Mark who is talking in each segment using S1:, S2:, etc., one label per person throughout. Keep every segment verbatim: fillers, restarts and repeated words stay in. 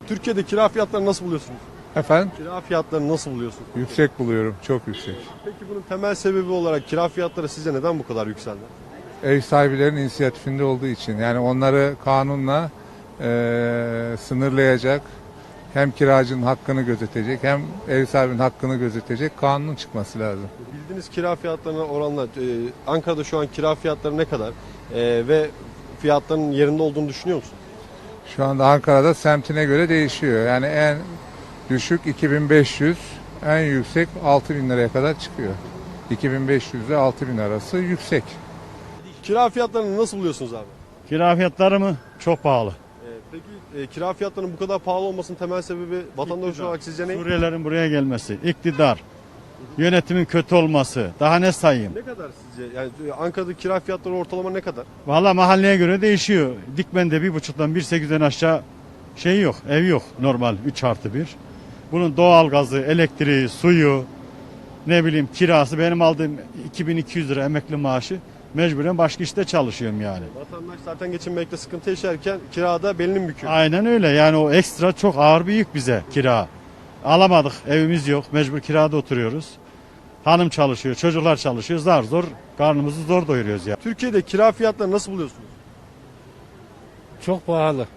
S1: Türkiye'de kira fiyatlarını nasıl buluyorsunuz?
S2: Efendim?
S1: Kira fiyatlarını nasıl buluyorsunuz?
S2: Yüksek buluyorum, çok yüksek.
S1: Peki bunun temel sebebi olarak kira fiyatları sizce neden bu kadar yükseldi?
S2: Ev sahiplerinin inisiyatifinde olduğu için. Yani onları kanunla eee, sınırlayacak, hem kiracının hakkını gözetecek, hem ev sahibinin hakkını gözetecek kanunun çıkması lazım.
S1: Bildiğiniz kira fiyatlarına oranla e, Ankara'da şu an kira fiyatları ne kadar? E, ve fiyatların yerinde olduğunu düşünüyor musun?
S2: Şu anda Ankara'da semtine göre değişiyor. Yani en düşük iki bin beş yüz, en yüksek altı bin liraya kadar çıkıyor. iki bin beş yüz ile altı bin arası yüksek.
S1: Kira fiyatlarını nasıl buluyorsunuz abi?
S3: Kira fiyatları mı? Çok pahalı.
S1: E, peki e, kira fiyatlarının bu kadar pahalı olmasının temel sebebi vatandaş
S3: İktidar.
S1: olarak sizce ne?
S3: Suriyelilerin buraya gelmesi, iktidar, yönetimin kötü olması. Daha ne sayayım?
S1: Ne kadar sizce? Yani e, Ankara'da kira fiyatları ortalama ne kadar?
S3: Valla mahalleye göre değişiyor. Dikmen'de bir buçuktan bir sekizden aşağı şey yok, ev yok normal üç artı bir. Bunun doğalgazı, elektriği, suyu, ne bileyim kirası. Benim aldığım iki bin iki yüz lira emekli maaşı. Mecburen başka işte çalışıyorum yani.
S1: Vatandaş zaten geçinmekte sıkıntı yaşarken kirada belini büküyor.
S3: Aynen öyle, yani o ekstra çok ağır bir yük bize kira. Alamadık, evimiz yok, mecbur kirada oturuyoruz. Hanım çalışıyor, çocuklar çalışıyor, zar zor karnımızı zor doyuruyoruz ya.
S1: Türkiye'de kira fiyatları nasıl buluyorsunuz?
S4: Çok pahalı.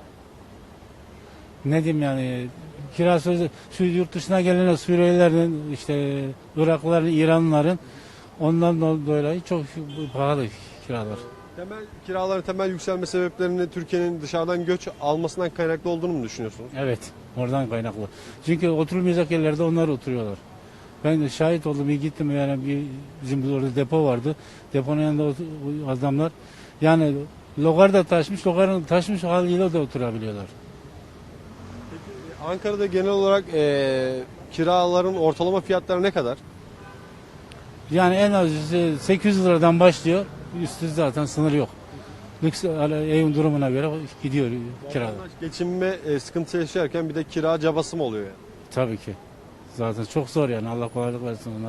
S4: Ne diyeyim yani kirası şu yurt dışına gelen Suriyelilerin işte Iraklıların, İranlıların ondan dolayı çok pahalı kiralar.
S1: Temel kiraların temel yükselme sebeplerini Türkiye'nin dışarıdan göç almasından kaynaklı olduğunu mu düşünüyorsunuz?
S4: Evet, oradan kaynaklı. Çünkü oturulmayacak yerlerde onlar oturuyorlar. Ben de şahit oldum, bir gittim yani bir, bizim orada depo vardı. Deponun yanında otur- adamlar yani logar da taşmış, logarın taşmış haliyle de oturabiliyorlar.
S1: Ankara'da genel olarak eee, kiraların ortalama fiyatları ne kadar?
S4: Yani en az sekiz yüz liradan başlıyor. Üstü zaten sınır yok. Lüks evin durumuna göre gidiyor kiralar.
S1: Vatandaş geçinme e, sıkıntı yaşarken bir de kira cabası mı oluyor yani?
S4: Tabii ki. Zaten çok zor yani. Allah kolaylık versin ona.